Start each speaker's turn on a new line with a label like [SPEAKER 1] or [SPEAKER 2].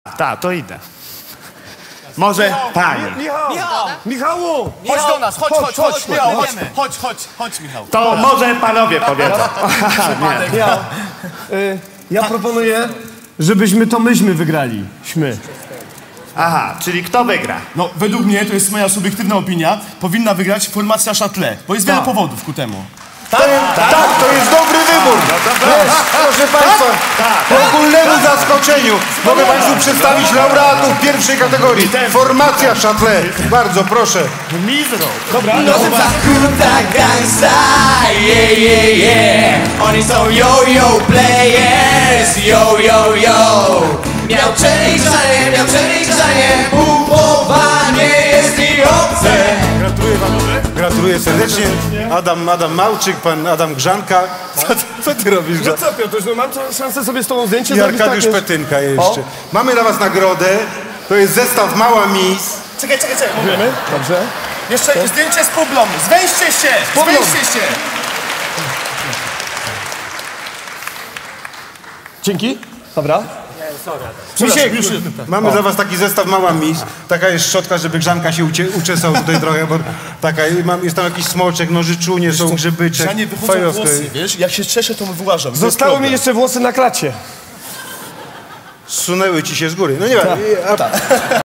[SPEAKER 1] Tak, to idę. Może panie.
[SPEAKER 2] Michału!
[SPEAKER 3] Chodź do nas, chodź, Michał, chodź, Michał.
[SPEAKER 1] To może panowie powiedzą.
[SPEAKER 2] Michał, ja proponuję, żebyśmy to myśmy wygrali.
[SPEAKER 1] Aha, czyli kto wygra?
[SPEAKER 3] No, według mnie, to jest moja subiektywna opinia, powinna wygrać formacja Châtelet, bo jest wiele powodów ku temu.
[SPEAKER 4] Tak, to jest dobry wybór. Proszę Państwa, ku ogólnemu zaskoczeniu mogę Państwu przedstawić laureatów pierwszej kategorii. Formacja Châtelet. Bardzo proszę.
[SPEAKER 1] Mizro.
[SPEAKER 5] Zakuta gangsta, yeah. Oni są yo-yo players, yo. Miał przeliczanie, bufowanie jest mi obce.
[SPEAKER 4] Gratuluję Panowie. Gratuluję serdecznie. Adam Małczyk, pan Adam Grzanka. Co ty robisz?
[SPEAKER 2] No co, Piotr, no mam szansę sobie z tobą zdjęcie
[SPEAKER 4] I
[SPEAKER 2] zrobić.
[SPEAKER 4] Arkadiusz
[SPEAKER 2] takie...
[SPEAKER 4] Petynka jeszcze. Mamy dla was nagrodę. To jest zestaw Mała Miss.
[SPEAKER 3] Czekaj.
[SPEAKER 2] Wiemy? Dobrze.
[SPEAKER 3] Jeszcze zdjęcie z Publą. Zwęźcie się!
[SPEAKER 2] Dzięki. Dobra.
[SPEAKER 4] Misiek, mamy dla was taki zestaw Mała Miss. Taka jest szczotka, żeby Grzanka się uczesał tutaj trochę, bo taka, jest tam jakiś smoczek, nożyczunie, są grzybyczek.
[SPEAKER 3] Ja nie wychodzą włosy, wiesz? Jak się czeszę, to wyłażam.
[SPEAKER 2] Zostały mi jeszcze włosy na klacie.
[SPEAKER 4] Zsunęły ci się z góry. No nie wiem.